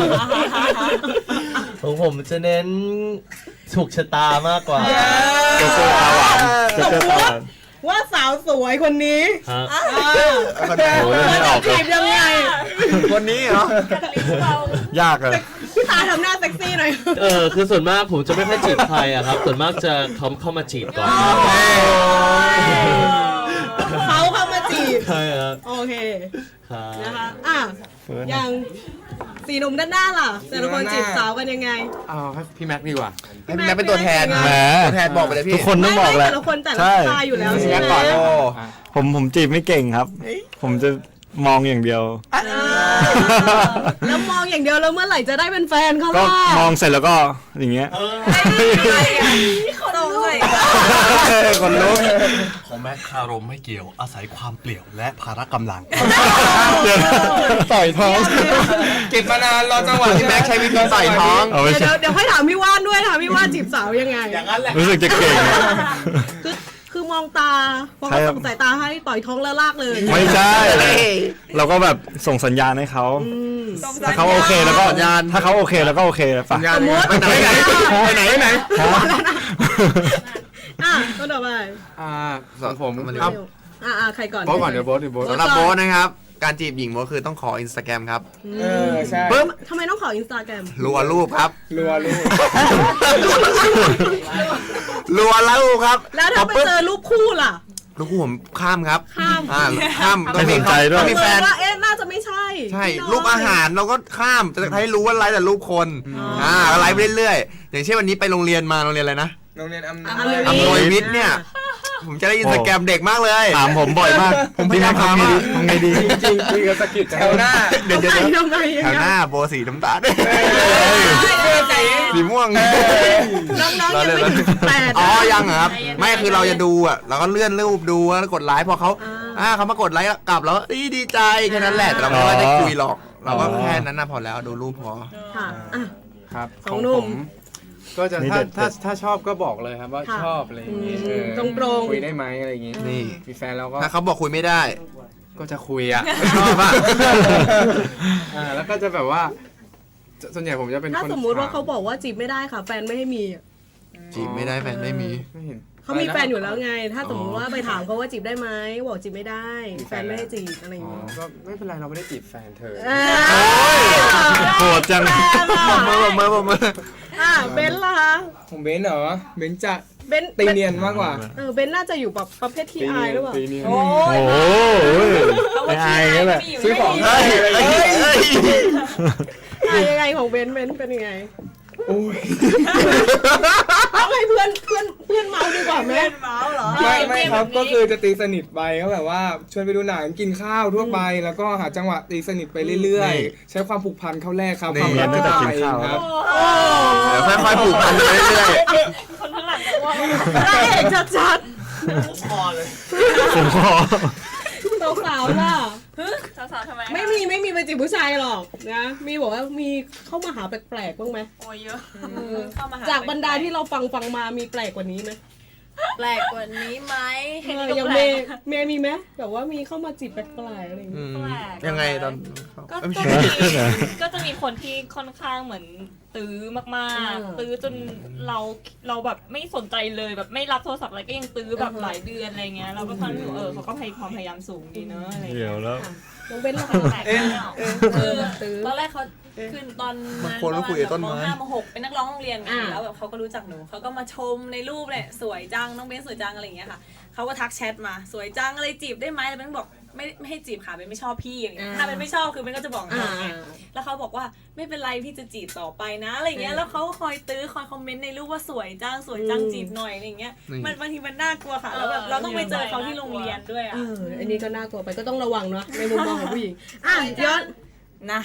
[SPEAKER 3] ของผมจะเน้นถูกชะตามากกว่า
[SPEAKER 7] โจ๊กเกอร์ตาหวานโจ๊กเกอร์ตาหวาน
[SPEAKER 2] ว่าสาวสวยคนนี้
[SPEAKER 3] ฮะ
[SPEAKER 7] โอ้ยไม่ออกเล
[SPEAKER 2] จี
[SPEAKER 7] ย
[SPEAKER 2] บยังไง
[SPEAKER 5] คนนี้เหรอ
[SPEAKER 7] ยากเลย
[SPEAKER 2] พี่ตาทำหน้าเซ็กซี่หน่อย
[SPEAKER 3] คือส่วนมากผมจะไม่ค่อยจีบใครอะครับ ส่วนมากจะเขาเข้ามาจีบก่อน
[SPEAKER 2] เขาเข้ามาจีบ
[SPEAKER 3] ใช่ครับ
[SPEAKER 2] โอเค
[SPEAKER 3] ครับ
[SPEAKER 2] นะคะอย่าง4หนุ่มด้านหน้าล่ะ แต่ละคนจีบสาวกันยังไง
[SPEAKER 8] เอาให้พี่แม็กซ์ดีกว่า
[SPEAKER 5] ให้พี่แม็กเป็นตัวแทน
[SPEAKER 2] แหม
[SPEAKER 5] ตัวแทนบอกไปเลยพี่
[SPEAKER 7] ทุกคนต้องบอกแหละ
[SPEAKER 2] แต่ละคนแต่ละ
[SPEAKER 7] ใช่
[SPEAKER 2] สไตล์อยู่แล้วใช่
[SPEAKER 8] แม็ก
[SPEAKER 2] ไห
[SPEAKER 8] ซ์ก่อน
[SPEAKER 2] ม
[SPEAKER 8] โอ้
[SPEAKER 7] ผมจีบไม่เก่งครับ ผมจะมองอย่างเดียว
[SPEAKER 2] แล้วมองอย่างเดียวแล้วเมื่อไหร่จะได้เป็นแฟนเขา
[SPEAKER 7] ก็
[SPEAKER 2] ล่ะ
[SPEAKER 7] มองเสร็จแล้วก็อย่างเงี้ย
[SPEAKER 4] ตรงเลย
[SPEAKER 7] คนลุก
[SPEAKER 9] ของแม็กคารมไม่เกี่ยวอาศัยความเปลี่ยวและพละกำลัง
[SPEAKER 7] ต่อยท้อง
[SPEAKER 8] เก็บมานานรอจังหวะ
[SPEAKER 5] พี่แม็กใช้วิธีใส่ท้อง
[SPEAKER 7] เอาไม่ใช่
[SPEAKER 2] เดี๋ยวค่อยถามพี่ว่านด้วยถามพี่ว่านจีบสาวยังไง
[SPEAKER 9] อย่างนั้นแหละ
[SPEAKER 7] รู้สึกจะเก่ง
[SPEAKER 2] คือมองตาพอ
[SPEAKER 7] ใช่
[SPEAKER 2] เขา
[SPEAKER 7] ครับ
[SPEAKER 2] ส่งสายตาให้ต่อยท้องแล้วลากเลย
[SPEAKER 7] ไม่ใช่ เราก็แบบส่งสัญญาณให้เขาถ้าเขาโอเคแล้วก็
[SPEAKER 5] สัญญาณ
[SPEAKER 7] ถ้าเขาโอเคแล้วก็โอเคไป
[SPEAKER 8] สัญญาณ
[SPEAKER 2] สมมุติ
[SPEAKER 5] ไปไหนไหน
[SPEAKER 2] ก็ต่อไป
[SPEAKER 8] ของผม
[SPEAKER 5] ครับ
[SPEAKER 2] ใครก่อน
[SPEAKER 8] โบ๊ทก่อนเดี๋ยวโบ๊ท
[SPEAKER 5] สำหรับโบสนะครับ การจีบหญิงโบสคือต้องขออินสตาแกรมครับ
[SPEAKER 6] ใช่
[SPEAKER 5] ปึ๊บ
[SPEAKER 2] ทำไมต้องขออินสตาแกรม
[SPEAKER 5] รัวรูปครับ
[SPEAKER 6] รัวลูก
[SPEAKER 5] รัวรูปครับ
[SPEAKER 2] แล้วถ้าไปเจอรูปคู่ล่ะ
[SPEAKER 5] ลูกคู่ผมข้ามครับ
[SPEAKER 2] ข้าม
[SPEAKER 5] ข้าม
[SPEAKER 7] ไม่สนใจด้วย
[SPEAKER 5] ต้องมีแฟน
[SPEAKER 2] ว่าน่าจะไม่ใช่
[SPEAKER 5] ใช่
[SPEAKER 2] พี่น้ย
[SPEAKER 5] รูปอาหารเราก็ข้ามจะให้รู้ว่าไลฟ์แต่รูปคนก็ไลฟ์ไปเรื่อยๆอย่างเช่นวันนี้ไปโรงเรียนมาโรงเรียนอะไรนะ
[SPEAKER 6] โรงเรียนอำ
[SPEAKER 2] อำนวย
[SPEAKER 5] อำนวยวิทย์เนี่ย ผมจะได้อินสตาแกรมเด็กมากเลย
[SPEAKER 7] ถามผมบ่อยมาก
[SPEAKER 5] ผมพยายาม
[SPEAKER 7] ทำไงดีทำไงดี
[SPEAKER 6] จริงคุยกับสกิดแถวหน้า
[SPEAKER 5] เดี๋ยว
[SPEAKER 2] ทำไม
[SPEAKER 5] แถวหน้าโบสีน้ำตาลสีม่วง
[SPEAKER 2] น้องๆยังไม่ถึง18
[SPEAKER 5] อ๋อยังเหรอครับไม่คือเราจะดูอ่ะเราก็เลื่อนรูปดูแล้วกดไลค์พอเขาเขามากดไลค์กลับแล้วดีใจแค่นั้นแหละแต่เราไม่ได้คุยหรอกเราก็แค่นั้นนะพอแล้วดูรูปพอ
[SPEAKER 2] ค่ะ
[SPEAKER 8] ครับ
[SPEAKER 2] สองหนุ่ม
[SPEAKER 8] ก็จะ
[SPEAKER 7] นี่
[SPEAKER 8] ถ้าชอบก็บอกเลยครับว่า
[SPEAKER 2] ค่ะ
[SPEAKER 8] ชอบอะไรอย่างงี้
[SPEAKER 2] ตรงๆ
[SPEAKER 8] คุยได้ไหมอะไรอย่างงี้
[SPEAKER 5] นี่
[SPEAKER 8] มีแฟนแล้วก็
[SPEAKER 5] ถ้าเขาบอกคุยไม่ได้
[SPEAKER 8] ก็จะคุยอ่ะ
[SPEAKER 5] ไม่ชอบอ่ะ
[SPEAKER 8] แล้วก็จะแบบว่าส่วนใหญ่ผมจะเป็น
[SPEAKER 2] ถ้า
[SPEAKER 8] คน
[SPEAKER 2] สมมุติว่าเขาบอกว่าจีบไม่ได้ค่ะ แฟนไม่ให้มี
[SPEAKER 5] จีบไม่ได้แฟนไม่มี
[SPEAKER 8] ไม่เห็น
[SPEAKER 2] เขามีแฟนอยู่แล้วไง ถ้าสมมติว่าไปถามเขาว่าจีบได้ไหมบอกจีบไม่ได้ แฟนไม่ให้จีบอะไรอย่าง
[SPEAKER 8] อ๋อ
[SPEAKER 2] เงี้ย
[SPEAKER 8] ก็ไม่เป็นไรเราไม่ได้จีบแฟนเธอ
[SPEAKER 7] โหดจัง
[SPEAKER 5] มือ
[SPEAKER 2] เบนซ์ล่ะคะ
[SPEAKER 6] ผมเบนซ์เหรอเบนซ์จะ
[SPEAKER 2] เบนซ์
[SPEAKER 6] ตีเนียนมากกว่า
[SPEAKER 2] เบนซ์น่าจะอยู่แบบประเภทที่อายหรือเปล่า
[SPEAKER 8] ตีเนียน
[SPEAKER 4] โอ้
[SPEAKER 7] โอ้
[SPEAKER 4] ย
[SPEAKER 7] โหไม่อายนี่แหละ
[SPEAKER 6] ซื้อของ
[SPEAKER 5] เฮ้ย
[SPEAKER 2] ยังไงของเบนซ์เป็นยังไง
[SPEAKER 6] โอ้ย
[SPEAKER 2] เอาให้เพื่อนเมาดีกว่าไหม
[SPEAKER 4] เมาเหรอ
[SPEAKER 6] ไม่ครับก็คือจะตีสนิทไปก็แบบว่าชวนไปดูหนังกินข้าวทั่วไป แล้วก็หาจังหวะตีสนิทไปเรื่อยๆ ใช้ความผูกพันเข้าแรกครับความรัก
[SPEAKER 7] นี่
[SPEAKER 6] จะ
[SPEAKER 7] ตั้งแต่
[SPEAKER 6] ตาย
[SPEAKER 7] กินข้าว
[SPEAKER 6] ครับ
[SPEAKER 5] เดี๋ยวค่อยๆผูกพันไปเรื่อย
[SPEAKER 1] คนข้างหลังจะว่า
[SPEAKER 2] พระเอกชัด
[SPEAKER 9] พอเลย
[SPEAKER 7] ผมขอ
[SPEAKER 2] ๆสาวๆล่ะ
[SPEAKER 1] สาวๆทำไมคะ
[SPEAKER 2] ไม่มีไปจีบผู้ชายหรอกนะ มีบอกว่ามีเข้ามาหาแปลกๆบ้างไหม
[SPEAKER 1] โอ้ยเยอะ
[SPEAKER 4] เข้ามาห
[SPEAKER 2] จากบรรดาที่เราฟังมามีแปลกกว่านี้ไหม
[SPEAKER 4] แปลกกว่านี้ไหม
[SPEAKER 2] อย่างเมย์มีไหมแบบว่ามีเข้ามาจีบแปลกๆอะไรอย่างเงี้ย
[SPEAKER 5] ยังไงตอน
[SPEAKER 1] ก็
[SPEAKER 5] ไม่
[SPEAKER 1] จะ
[SPEAKER 5] ใช่
[SPEAKER 1] ก็จะมีคนที่ค่อนข้างเหมือนตื้อมากๆ ตื้อจนเราแบบไม่สนใจเลยแบบไม่รับโทรศัพท์อะไรก็ยังตื้อแบบหลายเดือนอะไรเงี้ยเราก็ฟังดูเขาก็ความพยายามสูงดีเนอะอะไร
[SPEAKER 7] เดี๋
[SPEAKER 1] เงี้
[SPEAKER 7] ย
[SPEAKER 1] ยว
[SPEAKER 7] แล้ว
[SPEAKER 2] น้องเบนล่ะ
[SPEAKER 1] แปลกแล้ว
[SPEAKER 4] คือตอนแรกเขาคือตอน
[SPEAKER 5] บางคนก็คุยกับต้นไม้
[SPEAKER 4] ม.5 ม.6 เป็นนักร้องโรงเรียนไงแล้วแบบเขาก็รู้จักหนูเขาก็มาชมในรูปเนี่ยสวยจังน้องเบนสวยจังอะไรอย่างเงี้ยค่ะเขาก็ทักแชทมาสวยจังอะไรจีบได้ไหมแล้วเบนบอกไม่ให้จีบค่ะเบนไม่ชอบพี่อย่างเงี้ยถ้าเบนไม่ชอบคือเบนก็จะบอกน้องไงแล้วเขาบอกว่าไม่เป็นไรพี่จะจีบต่อไปนะอะไรเงี้ยแล้วเขาก็คอยตื้อคอยคอมเมนต์ในรูปว่าสวยจังจีบหน่อยอะไรเงี้ยมันบางทีมันน่ากลัวค่ะแล้วแบบเราต้องไปเจอเขาที่โรงเรียนด้วยอ่ะ
[SPEAKER 2] อันนี้ก็น่ากลัวไปก็ต้องระวังเนาะในมุมมองของผู้หญิงย้อน
[SPEAKER 4] นะ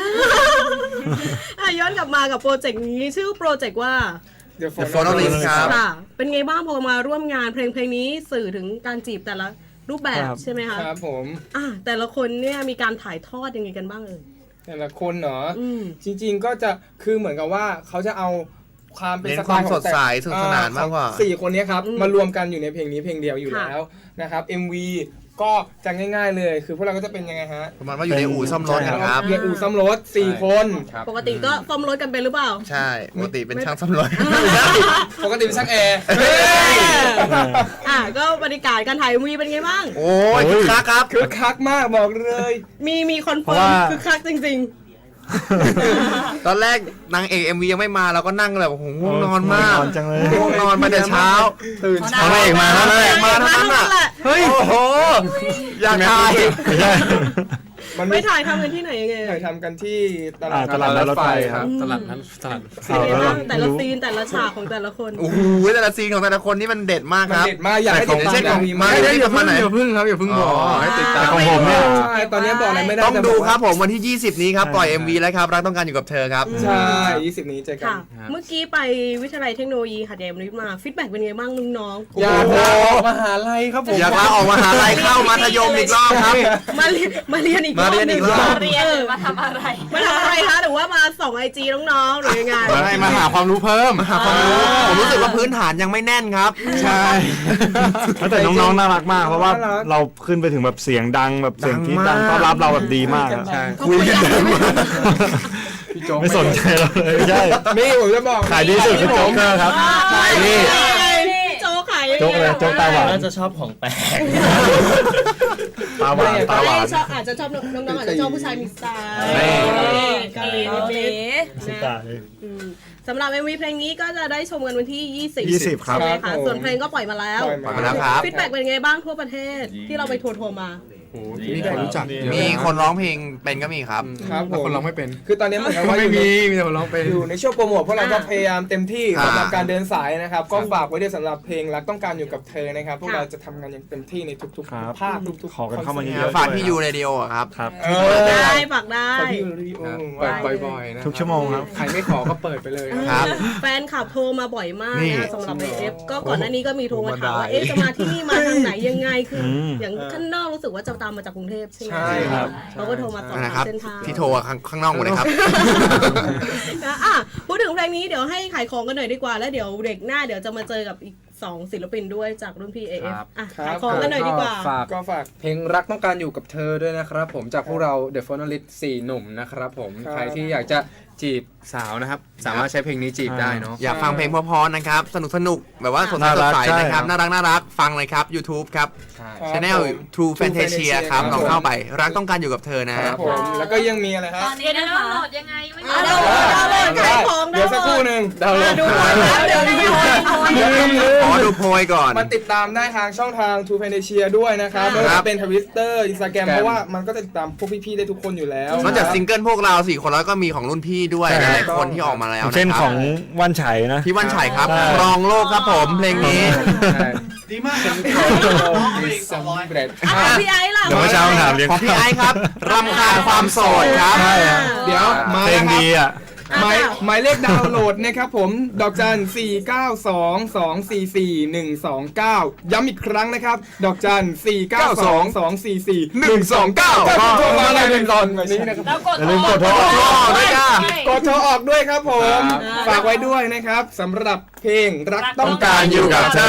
[SPEAKER 2] ย้อนกลับมากับโปรเจกต์นี้ชื่อโปรเจกต์ว่า
[SPEAKER 5] The Phonolist ครับ
[SPEAKER 2] ค่ะเป็นไงบ้างพอมาร่วมงานเพลงนี้สื่อถึงการจีบแต่ละรูปแบบ
[SPEAKER 7] ครับ
[SPEAKER 2] ใช่ไหมคะ
[SPEAKER 6] ครับผม
[SPEAKER 2] แต่ละคนเนี่ยมีการถ่ายทอดยังไงกันบ้างเอ่ย
[SPEAKER 6] แต่ละคนเนาะ
[SPEAKER 2] อืม
[SPEAKER 6] จริงๆก็จะคือเหมือนกับว่าเขาจะเอาความเป็น
[SPEAKER 5] เน้น
[SPEAKER 6] สไตล์
[SPEAKER 5] ความ
[SPEAKER 6] ของ
[SPEAKER 5] สดใสสนุกสนานมากกว่า
[SPEAKER 6] 4 คนเนี้ยครับมารวมกันอยู่ในเพลงนี้เพลงเดียวอยู่แล้วนะครับ MV ก็จะง่ายๆเลยคือพวกเราก็จะเป็นยังไงฮะ
[SPEAKER 5] ประมาณว่าอยู่ในอู่ซ่อมรถนะครับ
[SPEAKER 6] เรียนอู่ซ่อมรถ4 คน
[SPEAKER 2] ปกติก็ซ่อมรถกันเป็นหรือเปล่า
[SPEAKER 5] ใช่ปกติเป็นช่างซ่อมรถ
[SPEAKER 6] ปกติเป็นช่างแอร์
[SPEAKER 2] ก็บรรยากาศการถ่ายมีเป็นไงบ้าง
[SPEAKER 5] โอ้ยคึกคักครับ
[SPEAKER 6] คึกคักมากบอกเลย
[SPEAKER 2] มีคอนเฟิร์มคือคักจริง
[SPEAKER 5] ตอนแรกนางเอก MV ยังไม่มาเราก็นั่งแบบโอ้โหง่วงนอนมาก
[SPEAKER 7] นอนจังเลย
[SPEAKER 5] ง่วงนอนมาแต่เช้า
[SPEAKER 6] ตื่น
[SPEAKER 5] เอานางเอกมาแล้วนางเอกมาเท่านั้นอ่ะเฮ้ยโอ้โหอยากถ่าย
[SPEAKER 7] ไม่ใช่
[SPEAKER 6] มัน
[SPEAKER 2] ๆ ไม่ถ่ายทำกันที่ไหนยังไง
[SPEAKER 6] ถ่ายทำกันที่ต
[SPEAKER 7] ตลาดนัดรถไฟ
[SPEAKER 8] ครับตลาดนั้นตลาด
[SPEAKER 2] เป็นไงบ้างแต่ละซีนแต่ละฉากของแต่ละคน
[SPEAKER 5] โอ้โหแต่ละซีนของแต่ละคนนี่มันเด็ดมาก
[SPEAKER 6] มัน
[SPEAKER 5] ครับ
[SPEAKER 6] เด็ดมากอยากให้ติดตาม
[SPEAKER 5] เช่นของ
[SPEAKER 6] มี
[SPEAKER 5] มา
[SPEAKER 6] มา
[SPEAKER 5] ได้อย่าเพิ่ง
[SPEAKER 8] อย่าพึ่งครับอย่าพึ่งบอกให้ติดตาม
[SPEAKER 7] แต่ของผมเนี่ย
[SPEAKER 6] ใช่ตอนนี้บอกอะไรไม่ได้
[SPEAKER 5] ต้อง
[SPEAKER 6] แต่
[SPEAKER 5] ดู
[SPEAKER 6] อกว่า
[SPEAKER 5] ครับผมวันที่ 20 นี้ครับปล่อย MV แล้วครับรักต้องการอยู่กับเธอครับ
[SPEAKER 6] ใช่20 นี้เจอกัน
[SPEAKER 2] ค่ะ เมื่อกี้ไปวิทยาลัยเทคโนโลยีหัดใหญ่มนิมาฟีดแบ็กเป็นไงบ้างน้องๆ
[SPEAKER 6] อยากลาออกมหาลัยครับผม
[SPEAKER 5] อยากลาออกมหาลัยเข้ามัธยมอีกรอบครับ
[SPEAKER 2] มาเรียนอีกรอบ
[SPEAKER 5] มาเรียนอีกรอบ
[SPEAKER 1] เรียนหรือมาทำอะไร
[SPEAKER 2] มาทำอะไรคะหรือว่ามาส่องไอจีน้องๆหรือยังไง
[SPEAKER 8] มาหาความรู้เพิ่ม
[SPEAKER 5] หาความรู้ผมรู้สึกว่าพื้นฐานยังไม่แน่นครับ
[SPEAKER 8] ใช่
[SPEAKER 7] แต่น้องๆน่ารักมากเพราะว่าเราขึ้นไปถึงแบบเสียงดังแบบเสียงที่ดังต้อนรับเราแบบดีมากอะ
[SPEAKER 8] ใช่
[SPEAKER 5] คุยกันดังมาก
[SPEAKER 8] พี่โจ๊ก
[SPEAKER 7] ไม่สนใจเราเลยไม่ใช่
[SPEAKER 6] นี่ผมจะบอก
[SPEAKER 7] ขายดีสุดคือโจ๊กเกอร์ครับนี่
[SPEAKER 2] โจ๊กขายยังไง
[SPEAKER 7] โจ๊กเลยโจ๊กตาหวาน
[SPEAKER 9] น่าจะชอบของแปลก
[SPEAKER 7] ตาหวานตาหวาน
[SPEAKER 2] ชอบอาจจะชอบน้องๆอาจจะชอบผู้ชายมีสไตล์เกาหลีนิดๆ
[SPEAKER 7] สุด
[SPEAKER 2] นะ
[SPEAKER 7] ตาเลย
[SPEAKER 2] สำหรับ MV เพลงนี้ก็จะได้ชมกันวันที่
[SPEAKER 7] 20 ครับ
[SPEAKER 2] ใช่ไหมคะส่วนเพลงก็ปล่อยมาแล้ว
[SPEAKER 5] ปล่อยมาแล้วครับ
[SPEAKER 2] ฟีดแบ็กเป็นไงบ้างทั่วประเทศที่เราไปทัวร์มา
[SPEAKER 8] มีคนรู้จักเยอะ
[SPEAKER 5] มีคนร้องเพลงเป็นก็มีครับ
[SPEAKER 6] ครับผ
[SPEAKER 8] แต่
[SPEAKER 6] ม
[SPEAKER 8] คนร้องไม่เป็น
[SPEAKER 6] คือตอนนี้เหมือนกับว่า
[SPEAKER 8] ไม่มีแต่คนร้องเป็น
[SPEAKER 6] อยู่ในช่วงโปรโมทพวกเราก็พยายามเต็มที่
[SPEAKER 5] อ่า
[SPEAKER 6] สำหรับการเดินสายนะครับ ก็ฝากไว้ด้วยสำหรับเพลงรักต้องการอยู่กับเธอนะครับ พวกเราจะทำงานอย่างเต็มที่ในทุก
[SPEAKER 7] ครับ
[SPEAKER 6] ๆภาคทุกๆ
[SPEAKER 7] ขอกันเข้ามาเย
[SPEAKER 6] ค
[SPEAKER 7] อะ
[SPEAKER 6] อน
[SPEAKER 5] ฝากพี่ยูเรดิโอครับ
[SPEAKER 7] ครับ
[SPEAKER 6] เอ
[SPEAKER 2] ได้
[SPEAKER 6] อ
[SPEAKER 2] ฝากได้
[SPEAKER 6] ฝากพี่ยูรีโอ
[SPEAKER 8] เปิดบ่อยๆนะ
[SPEAKER 7] ทุกชั่วโมงครับ
[SPEAKER 6] ใครไม่ขอก็เปิดไปเลย
[SPEAKER 5] ครับ
[SPEAKER 2] แฟนขับโทรมาบ่อยมาก
[SPEAKER 5] นี่
[SPEAKER 2] นะสำหรับ AF ก็ก่อนหน้านี้ก็มีโทรมาถามว่า
[SPEAKER 5] โทรมาได้
[SPEAKER 2] จะมาที่นี่มาทางไหนยังไงคืออ
[SPEAKER 7] ม
[SPEAKER 2] อย่างข้างนอกรู้สึกว่าจะตามมาจากกรุงเทพใช่ไหม
[SPEAKER 6] ใช่ครับ
[SPEAKER 2] เขาก็โทรมาสอบ
[SPEAKER 5] นะ
[SPEAKER 2] ถาม
[SPEAKER 5] ครับ
[SPEAKER 2] เส้นทาง
[SPEAKER 5] ที่โทรข้างนอกหมดเลยครับ
[SPEAKER 2] นะพูดถึงเพลงนี้เดี๋ยวให้ขายของกันหน่อยดีกว่าแล้วเดี๋ยวเด็กหน้าเดี๋ยวจะมาเจอกับอีก2ศิลปินด้วยจากรุ่นพี่ AF ขายของกันหน่อยดีกว่า
[SPEAKER 6] ก็ฝาก
[SPEAKER 8] เพลงรักต้องการอยู่กับเธอด้วยนะครับผมจากพวกเรา The Phonolist 4 หนุ่มนะครับผม
[SPEAKER 6] ครับ
[SPEAKER 8] ใครที่อยากจะจีบสาวนะครับ สามารถใช้เพลงนี้จีบได้เนาะ
[SPEAKER 5] อยากฟังเพลงเพราะๆนะครับ สนุกแบบว่าสดใสนะครับ น่ารักฟังเลยครับ YouTube ครับ
[SPEAKER 8] ใช่
[SPEAKER 5] Channel True Fantasia ครับลองเข้าไปรักต้องการอยู่กับเธอนะ
[SPEAKER 6] ครับผมแล้วก็ยังมีอะไรฮะ
[SPEAKER 4] ตอนนี้นะคะ
[SPEAKER 1] โหลดยังไงไม่
[SPEAKER 2] ดาวน์โหลดขายของ
[SPEAKER 6] เดี๋ยวสักครู่หนึ่งดาวน์โหลด
[SPEAKER 2] ดูก่อนนะเดี๋ยวได้
[SPEAKER 5] ขอดูโพยก่อน
[SPEAKER 6] มาติดตามได้ทางช่องทาง True Fantasia ด้วยนะครับไม่ว่าจะเป็น Twitter Instagram เพราะว่ามันก็จะติดตามพวกพี่ๆได้ทุกคนอยู่แล้ว
[SPEAKER 5] นอกจากซิงเกิลพวกเรา4คนแล้วก็มีของรุ่นพี่ด้วย
[SPEAKER 7] ใช่
[SPEAKER 5] หลายๆคนที่ออกมาแล้ว
[SPEAKER 7] เช่น
[SPEAKER 5] นะครับ
[SPEAKER 7] ของวันไฉนะ
[SPEAKER 5] พี่วันชัยครับ
[SPEAKER 7] ใช่
[SPEAKER 5] รองโลกครับผมเพลงนี้
[SPEAKER 9] ดีมากครับ
[SPEAKER 6] สำเร็จ
[SPEAKER 2] พี่ไอ้ล่ะ
[SPEAKER 7] เดี๋ยวเมื่อเช้าถามเลี้ยง
[SPEAKER 5] ของพี่ไอซ์ครับรำคาญความโสดครับ
[SPEAKER 7] ใช่ฮะ
[SPEAKER 6] เดี๋ยวมา
[SPEAKER 7] เพลงดีอ่ะ
[SPEAKER 6] หมายเลขดาวน์โหลดนะครับผมดอกจัน 492244129 ย้ำอีกครั้งนะครับดอกจัน 492244129 ก็โทรมาในตอนนี้นะครับ
[SPEAKER 1] แล้วกด
[SPEAKER 7] อย่าลืมกดโทร
[SPEAKER 5] ด้วยจ้า
[SPEAKER 6] กดโทรออกด้วยครับผมฝากไว้ด้วยนะครับสำหรับเพลงรักต้องการอยู่กับเธอ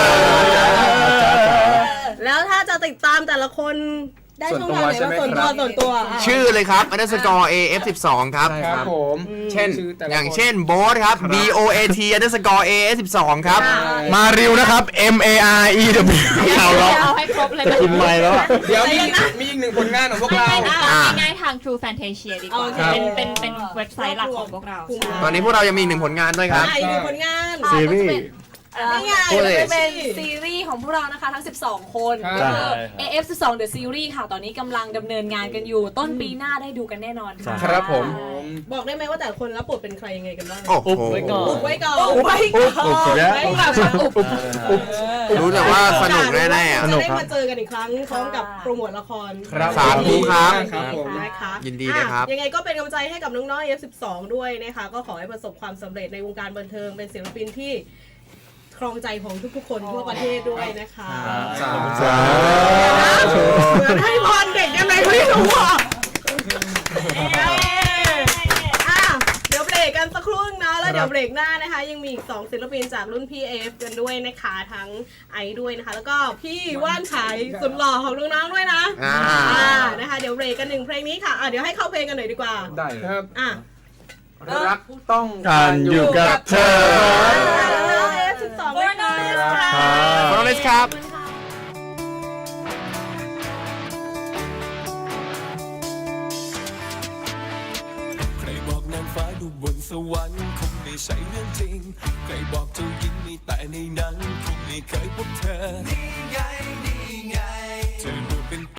[SPEAKER 2] แล้วถ้าจะติดตามแต่ละคนได้ช่องทางไหนบ้างส่วนตัวอ่ะ
[SPEAKER 5] ชื่อเลยครับ underscore AF12 ครับ
[SPEAKER 6] ครับผม
[SPEAKER 5] เช่น
[SPEAKER 6] ชื่อแต่ละ
[SPEAKER 5] อย่างเช่นโบ๊ทครับ BOAT underscore AF12 ครับ
[SPEAKER 7] มาริวนะครับ MAREW เอาแล้ว
[SPEAKER 1] เอาให้ครบเลย
[SPEAKER 7] จะกินไม้แล้วอะ
[SPEAKER 6] เดี๋ยวมีอีกหนึ่งผลงานของพวกเรา
[SPEAKER 1] ง่ายๆทาง True Fantasia ดีกว่า เป็นเว็บไซต์หลักของพวกเรา
[SPEAKER 5] ตอนนี้พวกเรายังมีอีกหนึ่งผลงานด้วยครับ
[SPEAKER 2] อีกหนึ่งผลงาน
[SPEAKER 7] ซีรีส์
[SPEAKER 2] นี่ไง
[SPEAKER 5] พูดเลย
[SPEAKER 4] เป็นซีรีส์ของพวกเรานะคะทั้ง 12 คน
[SPEAKER 6] ครับ
[SPEAKER 4] ก็คือ AF12 The Series ค่ะ ตอนนี้กำลังดำเนินงานกันอยู่ ต้นปีหน้าได้ดูกันแน่นอนค่ะ
[SPEAKER 6] ครับผม
[SPEAKER 2] บอกได้ไหมว่าแต่ละคนรับบทเป็นใครยังไงกันบ้าง
[SPEAKER 5] โอ้โห
[SPEAKER 2] อุบไว้ก่อน
[SPEAKER 7] อุ๊บแล้ว
[SPEAKER 5] รู้แต่ว่าสนุกแน่ๆอ่ะ
[SPEAKER 2] จะได้มาเจอกันอีกครั้งพร้อมกับโปรโมทละคร
[SPEAKER 6] ครับ
[SPEAKER 5] สาธุครับ
[SPEAKER 6] ครับผม
[SPEAKER 2] นะคะ
[SPEAKER 5] ยินดีเลยครับ
[SPEAKER 2] ยังไงก็เป็นกำลังใจให้กับน้องๆ F12 ด้วยนะคะ ก็ขอให้ประสบความสำเร็จในวงการบันเทิงเป็นศิลปินที่ครองใจของทุกๆคนทั่วประเทศด้วยนะคะ
[SPEAKER 5] สา
[SPEAKER 2] เหมือนให้พรเด็กยังไงไม่รู้อ่ะเดี๋ยวเบรกกันสักครู่นะแล้วเดี๋ยวเบรกหน้านะคะ ยังมีอีก2ศิลปินจากรุ่นพี่ AF กันด้วยนะคะทั้งไอด้วยนะคะ แล้วก็พี่ว่านชัยสุดหล่อของน้องๆด้วยนะนะคะเดี๋ยวเบรกกัน1เพลงนี้ค่ะเดี๋ยวให้เข้าเพลงกันหน่อยดีกว่า
[SPEAKER 8] ได้เลย
[SPEAKER 6] ครับ
[SPEAKER 8] รักต้อง
[SPEAKER 7] การอยู่กับเธอ
[SPEAKER 2] 12ด้วยค่ะ
[SPEAKER 5] ขอบคุณครับ
[SPEAKER 10] ใครบอกนางฟ้าอยู่บนสวรรค์คงไม่ใช่เรื่องจริง ใครบอกเจ้าหญิงมีแต่ในหนั้นคงไม่เคยพบเธอ นี่ไง เธอ